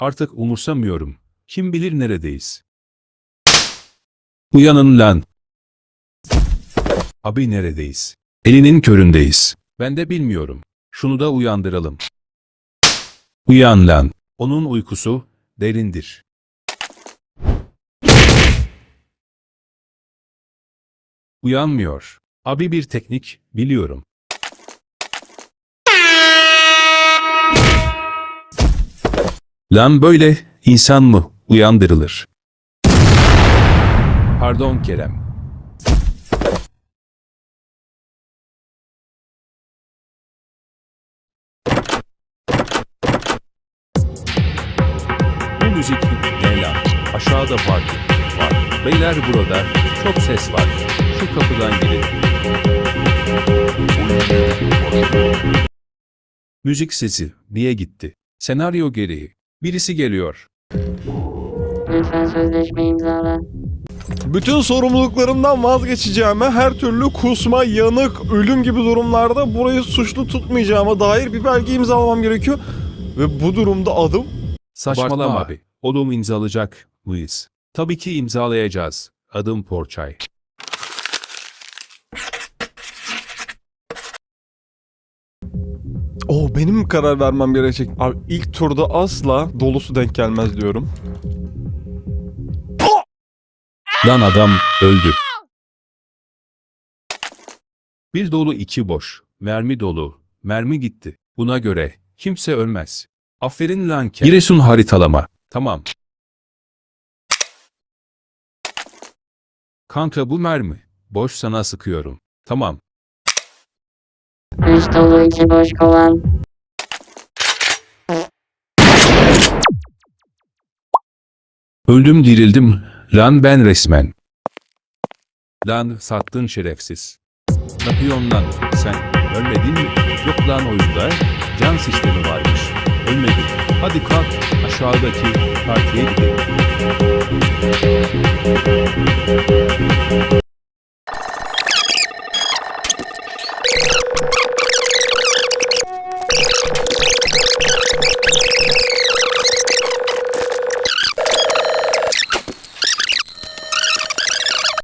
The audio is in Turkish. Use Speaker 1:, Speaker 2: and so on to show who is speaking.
Speaker 1: Artık umursamıyorum. Kim bilir neredeyiz? Uyanın lan. Abi neredeyiz? Elinin köründeyiz. Ben de bilmiyorum. Şunu da uyandıralım. Uyan lan. Onun uykusu derindir. Uyanmıyor. Abi bir teknik biliyorum. Lan böyle insan mı uyandırılır? Pardon Kerem. Bu müzik ne lan? Aşağıda parti var. Beyler burada çok ses var. Şu kapıdan girin. Müzik sesi niye gitti? Senaryo gereği. Birisi geliyor.
Speaker 2: Lütfen sözleşme imzala.
Speaker 3: Bütün sorumluluklarımdan vazgeçeceğime, her türlü kusma, yanık, ölüm gibi durumlarda burayı suçlu tutmayacağıma dair bir belge imzalamam gerekiyor. Ve bu durumda adım...
Speaker 1: Saçmalama
Speaker 3: Abartma.
Speaker 1: abi. Oğlum imzalayacak mıyız? Tabii ki imzalayacağız. Adım Porçay.
Speaker 3: Benim karar vermem gerekecek. Abi ilk turda asla dolusu denk gelmez diyorum.
Speaker 1: Lan adam öldü. Bir dolu iki boş. Mermi dolu. Mermi gitti. Buna göre kimse ölmez. Aferin lan Kerem. Giresun haritalama. Tamam. Kanka bu mermi. Boş sana sıkıyorum. Tamam.
Speaker 2: 3 dolu 2 boş kovan.
Speaker 1: Öldüm dirildim. Lan ben resmen. Lan sattın şerefsiz. Ne yapıyorsun lan sen? Ölmedin mi? Yok lan oyunda. Can sistemi varmış. Ölmedin. Hadi kalk aşağıdaki partiye gidelim.